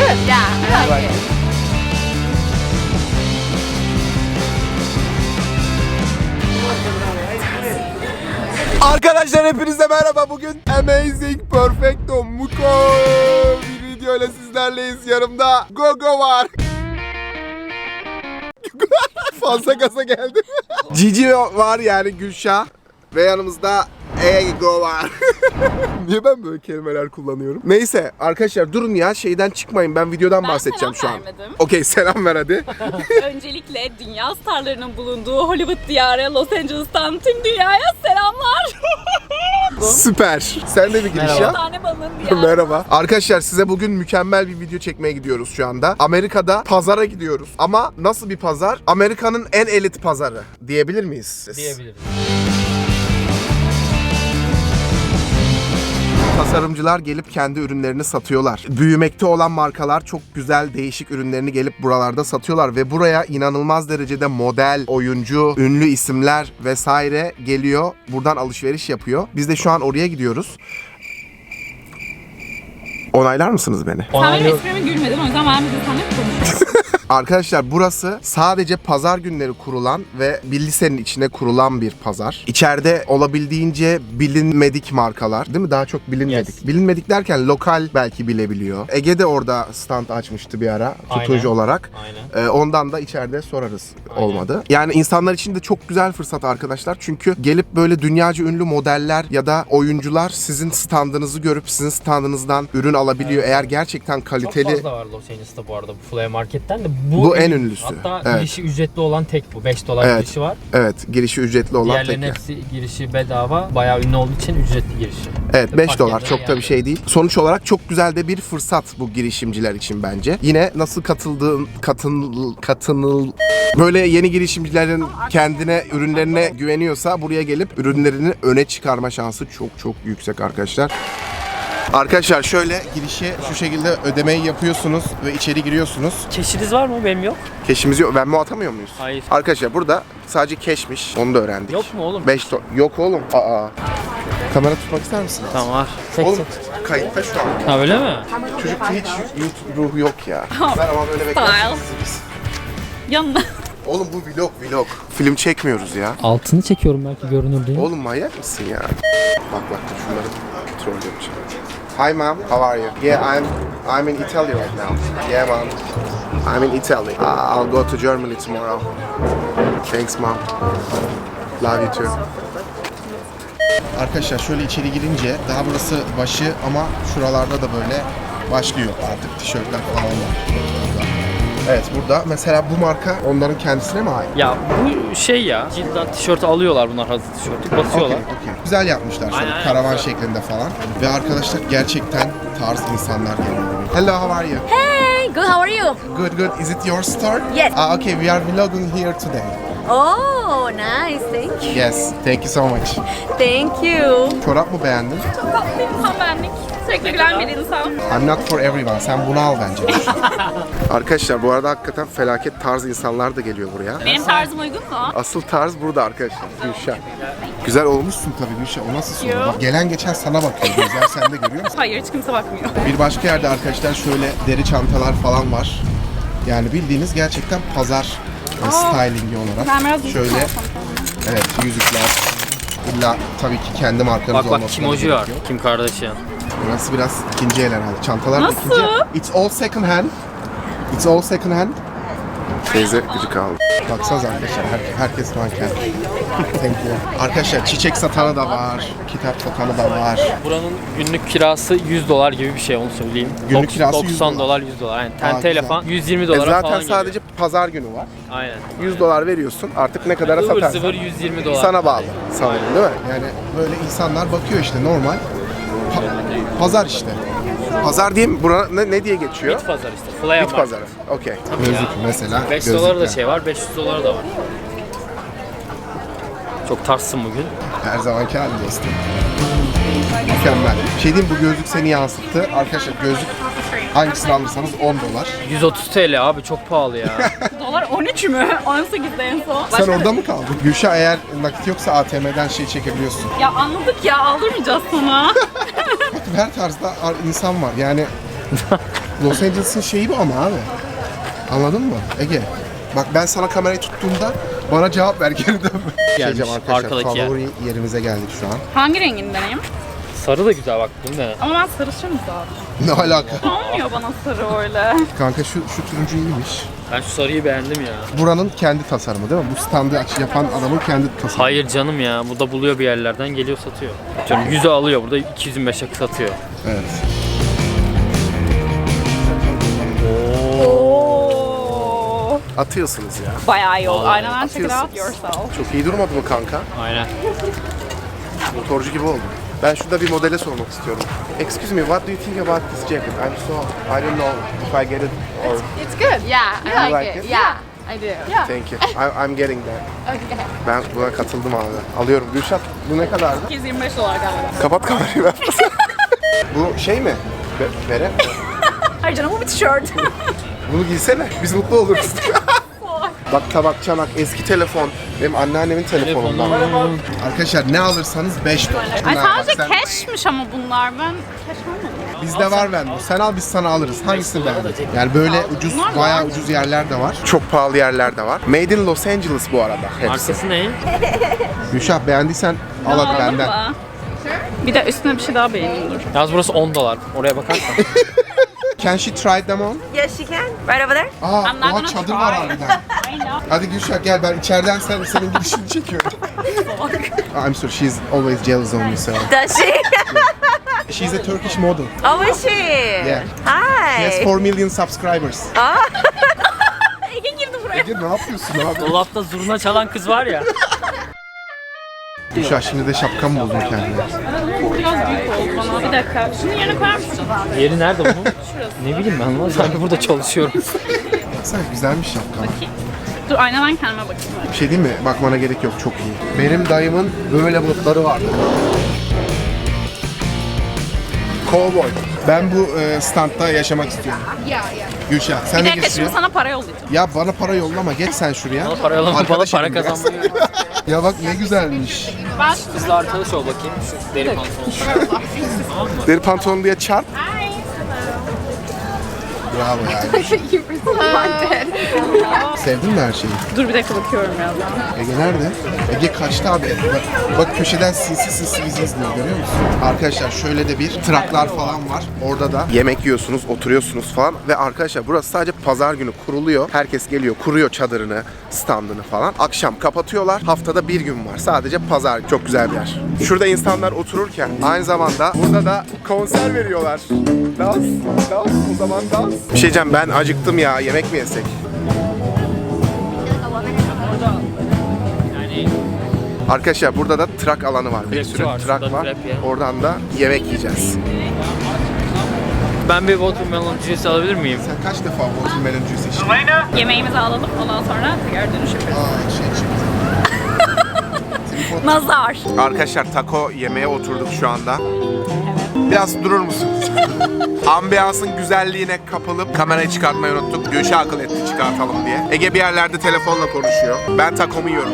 it? Yeah, I like it. Arkadaşlar hepinize merhaba. Bugün Amazing Perfecto Muko bir videoyla sizlerleyiz. Yanımda Gogo var. Fazla gaza geldim. Cici var yani, Gülşah. Ve yanımızda Ego var. Niye ben böyle kelimeler kullanıyorum? Neyse arkadaşlar durun ya, şeyden çıkmayın, ben videodan bahsedeceğim şu an. Vermedim. Okey, selam ver hadi. Öncelikle dünya starlarının bulunduğu Hollywood diyarı Los Angeles'tan tüm dünyaya selamlar. Süper. Sen de bir giriş Bir yap. tane balığın diyarı. Merhaba. Arkadaşlar size bugün mükemmel bir video çekmeye gidiyoruz şu anda. Amerika'da pazara gidiyoruz. Ama nasıl bir pazar? Amerika'nın en elit pazarı diyebilir miyiz? Diyebiliriz. Tasarımcılar gelip kendi ürünlerini satıyorlar. Büyümekte olan markalar çok güzel değişik ürünlerini gelip buralarda satıyorlar ve buraya inanılmaz derecede model, oyuncu, ünlü isimler vesaire geliyor. Buradan alışveriş yapıyor. Biz de şu an oraya gidiyoruz. Onaylar mısınız beni? Sen benim esprime gülmedin, o yüzden ben bir de seninle konuşuyorum. Arkadaşlar burası sadece pazar günleri kurulan ve bir lisenin içine kurulan bir pazar. İçeride olabildiğince bilinmedik markalar, değil mi? Daha çok bilinmedik. Yes. Bilinmedik derken lokal belki bilebiliyor. Ege de orada stand açmıştı bir ara tutucu Aynen. olarak. Aynen. Ondan da içeride sorarız. Aynen. Olmadı. Yani insanlar için de çok güzel fırsat arkadaşlar. Çünkü gelip böyle dünyaca ünlü modeller ya da oyuncular sizin standınızı görüp sizin standınızdan ürün alabiliyor. Eğer gerçekten kaliteli. Çok fazla var Los Angeles'ta bu arada bu Flea Market'ten de. Bu en ünlüsü. Hatta Evet. girişi ücretli olan tek bu. 5 dolar Evet. girişi var. Evet, girişi ücretli olan Diğerlerinin tek. hepsi girişi bedava. Bayağı ünlü olduğu için ücretli girişi. Evet, 5 Fark dolar eden çok da bir şey değil. Sonuç olarak çok güzel de bir fırsat bu girişimciler için bence. Yine nasıl böyle yeni girişimcilerin kendine, ürünlerine güveniyorsa buraya gelip ürünlerini öne çıkarma şansı çok çok yüksek arkadaşlar. Arkadaşlar şöyle girişi şu şekilde ödemeyi yapıyorsunuz ve içeri giriyorsunuz. Keşiniz var mı? Benim yok. Keşimiz yok. Venmo atamıyor muyuz? Hayır. Arkadaşlar burada sadece keşmiş. Onu da öğrendik. Yok mu oğlum? 5 dolar. Yok oğlum. Aa. Kamera tutmak ister misin? Tamam var. Oğlum kayıtta şu an. Ha öyle mi? Çocukta hiç YouTube ruhu yok ya. Ben ama böyle beklersiniz biz. Yanına. Oğlum bu vlog. Film çekmiyoruz ya. Altını çekiyorum belki görünür diye. Oğlum manyak mısın ya? Bak dur şunları troll yapacağım. Hi mom, how are you? Yeah, I'm in Italy right now. Yeah mom, I'm in Italy. I'll go to Germany tomorrow. Thanks mom. Love you too. Arkadaşlar şöyle içeri girince daha burası başı ama şuralarda da böyle başlıyor artık tişörtler falan var. Evet, burada mesela bu marka onların kendisine mi ait? Ya bu şey ya. Cilden tişörtü alıyorlar bunlar, hazır tişörtü. Basıyorlar. Okey. Güzel yapmışlar şöyle Aynen, karavan güzel. şeklinde falan. Ve arkadaşlar gerçekten tarz insanlar geliyor. Hello, how are you? Hey, good. How are you? Good. Is it your store? Yes. Okay, we are vlogging here today. Oh, nice. Thank you. Yes, thank you so much. Thank you. Çorap mı beğendin? Çok tatlı bir insan benlik. Sürekli gülen bir insan. I'm not for everyone. Sen bunu al bence. Arkadaşlar bu arada hakikaten felaket tarz insanlar da geliyor buraya. Benim tarzım uygun mu? Asıl tarz burada arkadaşlar. Gülşah. Güzel olmuşsun tabii Gülşah. O nasıl soru? Bak, gelen geçen sana bakıyor. Gözler sende, görüyor musun? Hayır, hiç kimse bakmıyor. Bir başka yerde arkadaşlar şöyle deri çantalar falan var. Yani bildiğiniz gerçekten pazar stylingi olarak. Ben biraz Şöyle evet, yüzükler. İlla tabii ki kendi markanız Bak olması Kim Oji var. gerekiyor. Kim Kardashian. Burası biraz ikinci el herhalde. Çantalar da Nasıl? ikinci el. It's all second hand. It's all second hand. Teyze gıcık aldı. Baksanıza arkadaşlar, herkes manken. Thank you. Arkadaşlar çiçek satanı da var, kitap satanı da var. Buranın günlük kirası 100 dolar gibi bir şey, onu söyleyeyim. Günlük kirası 90 100 dolar. dolar, 100 dolar. Yani Aa, tenteyle güzel. falan 120 dolara Zaten falan sadece pazar günü var. geliyor. Aynen. 100 dolar veriyorsun, artık ne kadara Zıvır satarsan zıvır 120 dolar. sana bağlı sanırım, değil mi? Yani böyle insanlar bakıyor işte, normal. Pazar işte. Pazar diyeyim, buna ne diye geçiyor? Bit pazar işte. Flea Bit pazarı. Okey. Gözlük mesela. 5 dolar da gözlükler. şey var, 500 dolar da var. Çok tarzsın bugün. Her zamanki halde dostum. Mükemmel. Şey diyeyim, bu gözlük seni yansıttı. Arkadaşlar gözlük hangisini alırsanız 10 dolar. 130 TL abi, çok pahalı ya. Dolar 13 mü? 18'de en son. Sen orada mı kaldın? Gülşah, eğer nakit yoksa ATM'den şey çekebiliyorsun. Ya anladık ya, aldırmayacağız sana. Her tarzda insan var yani. Los Angeles'ın şeyi bu ama abi. Anladın mı Ege? Bak ben sana kamerayı tuttuğumda bana cevap ver geri dön. Gelmiş, Arkadaşlar arkadaki yer. favori yerimize geldik şu an. Hangi rengindeneyim? Sarı da güzel bak. Bunu dene. Ama ben sarışınım zaten. Ne alaka? Olmuyor bana sarı öyle. Kanka şu turuncu iyiymiş. Ben şu sarıyı beğendim ya. Buranın kendi tasarımı değil mi? Bu standı yapan adamın kendi tasarımı. Hayır canım ya. Bu da buluyor bir yerlerden geliyor satıyor. Atıyorum 100'e alıyor burada 225'e satıyor. Evet. Oo. Atıyorsunuz ya. Bayağı iyi oldu. Vallahi Aynen check it out atıyorsunuz. yourself. Çok iyi durmadı mı kanka? Aynen. Motorcu gibi oldum. Ben şurada bir modele sormak istiyorum. Excuse me, what do you think about this jacket? I don't know if I get it or It's good. Yeah, I You like, like it. it? Yeah, I do. thank you. I'm getting that. Okay. Ben buna katıldım abi. Alıyorum. Gülşat bu ne kadardı? 225 dolar galiba. Kapat kamerayı ver. Bu şey mi? Bere? Hayır canım bu bir tişört. Bunu giysene. Biz mutlu oluruz. Bak tabak, çanak, eski telefon. Benim anneannemin telefonundan. Arkadaşlar ne alırsanız 5 dolar. Ay Bunlar bak sadece sen- cashmiş ama bunlar. Ben cash almadım. Bizde var bende. Sen al biz sana alırız. Hangisini beğendin? Yani böyle ucuz, Bunlar bayağı var. ucuz yerler de var. Çok pahalı yerler de var. Made in Los Angeles bu arada hepsi. Markası ne? Gülşah beğendiysen al hadi Aldın benden. mı? Bir de üstüne bir şey daha beğeneyim dur. Yalnız burası 10 dolar. Oraya bakarsan. Can she try them on? Yes, she can. Right over there. Aa, I'm not oha gonna çadır var try. harbiden. I know. Hadi Gülşah gel ben içeriden senin girişini çekiyorum. I'm sorry, she's always jealous of me so. Does she? She's a Turkish model. Oh, is she? Yeah. Hi. She has 4 million subscribers. Ege girdi buraya. Ege ne yapıyorsun abi? Dolapta zurna çalan kız var ya. Gülşah şimdi de şapka mı buldun kendine? Biraz büyük oldu bana. Bir dakika. Şunu yerine koyar mısın? Yeri nerede bunun? Ne bileyim ben lan. Sanki burada çalışıyorum. Baksana güzelmiş şapka. Dur aynadan kendime bakayım. Bir şey değil mi? Bakmana gerek yok, çok iyi. Benim dayımın böyle botları vardı. Cowboy. Ben bu standta yaşamak istiyorum. Gülşah sen Bir ne dakika şimdi istiyorsun? sana para yollayacağım. Ya bana para yollama, geç sen şuraya. Bana para yollama, bana Arkadaşım para biraz. kazanmıyor. Ya bak ne güzelmiş. Ben Kızla arkadaş ol bakayım. Şu deri pantolon. Deri pantolon diye çarp. Bravo yani. Sevdin mi her şeyi? Dur bir dakika bakıyorum ya. Ege nerede? Ege kaçtı abi. Bak köşeden sinsi sinsi bizi izliyor, görüyor musun? Arkadaşlar şöyle de bir traklar falan var. Orada da yemek yiyorsunuz, oturuyorsunuz falan. Ve arkadaşlar burası sadece pazar günü kuruluyor. Herkes geliyor, kuruyor çadırını, standını falan. Akşam kapatıyorlar. Haftada bir gün var. Sadece pazar. Çok güzel bir yer. Şurada insanlar otururken aynı zamanda burada da konser veriyorlar. Dans, o zaman dans. Bir şey diyeceğim, ben acıktım ya. Yemek mi yesek? Yani Arkadaşlar burada da trak alanı var. Bir Trapçi sürü var, trak şurada var. trap ya. Oradan da yemek yiyeceğiz. ben bir watermelon juice alabilir miyim? Sen kaç defa watermelon juice içtin? Yemeğimizi alalım ondan sonra tekrar dönüş yaparız. Aa şey çıktı. Nazar. Arkadaşlar taco yemeye oturduk şu anda. Biraz durur musunuz? Ambiyansın güzelliğine kapılıp kamerayı çıkartmayı unuttuk. Gülşah akıl etti çıkartalım diye. Ege bir yerlerde telefonla konuşuyor. Ben takomu yiyorum.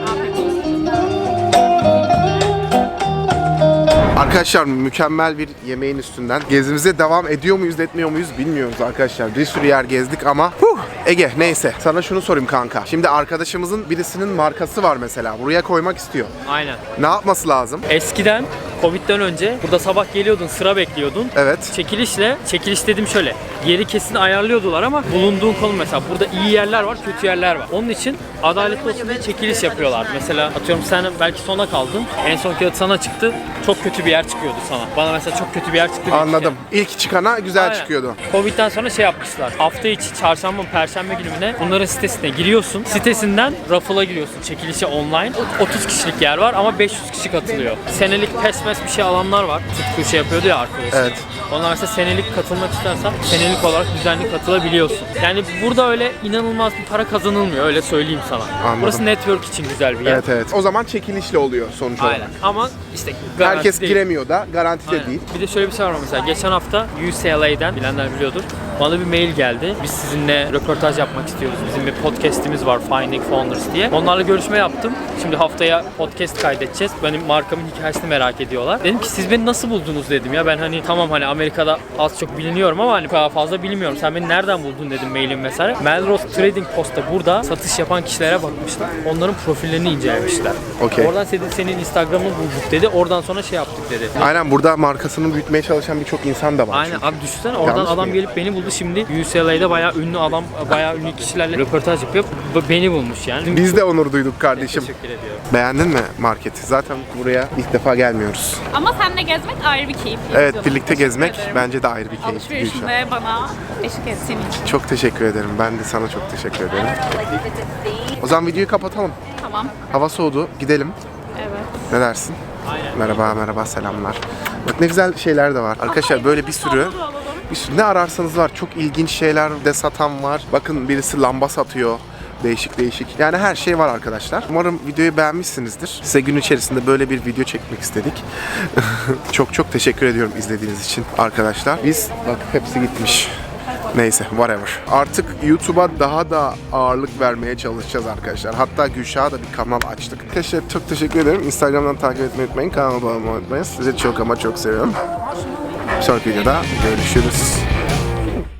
Arkadaşlar mükemmel bir yemeğin üstünden gezimize devam ediyor muyuz etmiyor muyuz bilmiyoruz arkadaşlar. Bir sürü yer gezdik ama Ege neyse sana şunu sorayım kanka. Şimdi arkadaşımızın birisinin markası var mesela. Buraya koymak istiyor. Aynen. Ne yapması lazım? Eskiden Covid'den önce burada sabah geliyordun, sıra bekliyordun. Evet. Çekiliş dedim şöyle, yeri kesin ayarlıyordular ama bulunduğun konum mesela burada iyi yerler var, kötü yerler var. Onun için adaletli olsun diye çekiliş yapıyorlar. Mesela atıyorum sen belki sona kaldın, en son kağıt sana çıktı, çok kötü bir yer çıkıyordu sana. Bana mesela çok kötü bir yer çıktı. Anladım. İlk çıkana güzel Aynen. çıkıyordu. Covid'den sonra şey yapmışlar. Hafta içi çarşamba, perşembe gününe bunların sitesine giriyorsun. Sitesinden raffle'a giriyorsun. Çekilişe online. 30 kişilik yer var ama 500 kişi katılıyor. Senelik pes bir şey alanlar var. Tutku şey yapıyordu ya arkadaşlar. Evet. Onlar mesela senelik katılmak istersen senelik olarak düzenli katılabiliyorsun. Yani burada öyle inanılmaz bir para kazanılmıyor. Öyle söyleyeyim sana. Anladım. Burası network için güzel bir yer. Evet. O zaman çekilişle oluyor sonuç olarak. Aynen. Ama işte garanti Herkes değil. giremiyor da garanti de Aynen. değil. Bir de şöyle bir şey var mesela. Geçen hafta UCLA'den bilenler biliyordur. Bana bir mail geldi. Biz sizinle röportaj yapmak istiyoruz. Bizim bir podcast'imiz var, Finding Founders diye. Onlarla görüşme yaptım. Şimdi haftaya podcast kaydedeceğiz. Benim markamın hikayesini merak ediyorlar. Dedim ki siz beni nasıl buldunuz dedim ya. Ben hani tamam hani Amerika'da az çok biliniyorum ama hani daha fazla bilmiyorum. Sen beni nereden buldun dedim mailim vesaire. Melrose Trading Post'ta burada satış yapan kişilere bakmışlar. Onların profillerini incelemişler. Okey. Oradan senin Instagram'ını bulduk dedi. Oradan sonra şey yaptık dedi. Aynen, burada markasını büyütmeye çalışan birçok insan da var. Aynen abi, düşünsene oradan Yanlış adam mıyım? gelip beni buldu. Şimdi UCLA'da bayağı ünlü adam, bayağı ünlü kişilerle röportaj yapıyor. Beni bulmuş yani. Biz de onur duyduk kardeşim. Teşekkür ediyorum. Beğendin mi marketi? Zaten buraya ilk defa gelmiyoruz. Ama seninle gezmek ayrı bir keyif. Evet, Canım. birlikte Teşekkür gezmek ederim. bence de ayrı bir keyif. Alışverişinde bana eşlik ettiğin için. Çok teşekkür ederim. Ben de sana çok teşekkür ederim. O zaman videoyu kapatalım. Tamam. Hava soğudu. Gidelim. Evet. Ne dersin? Aynen. Merhaba, selamlar. Bak ne güzel şeyler de var. Arkadaşlar böyle bir sürü ne ararsanız var. Çok ilginç şeyler de satan var. Bakın birisi lamba satıyor. Değişik. Yani her şey var arkadaşlar. Umarım videoyu beğenmişsinizdir. Size gün içerisinde böyle bir video çekmek istedik. Çok teşekkür ediyorum izlediğiniz için arkadaşlar. Biz bak hepsi gitmiş. Neyse, whatever. Artık YouTube'a daha da ağırlık vermeye çalışacağız arkadaşlar. Hatta Gülşah'a da bir kanal açtık. Arkadaşlar çok teşekkür ederim. Instagram'dan takip etmeyi unutmayın. Kanalıma abone olmayı unutmayın. Sizi çok ama çok seviyorum. Bir sonraki videoda görüşürüz.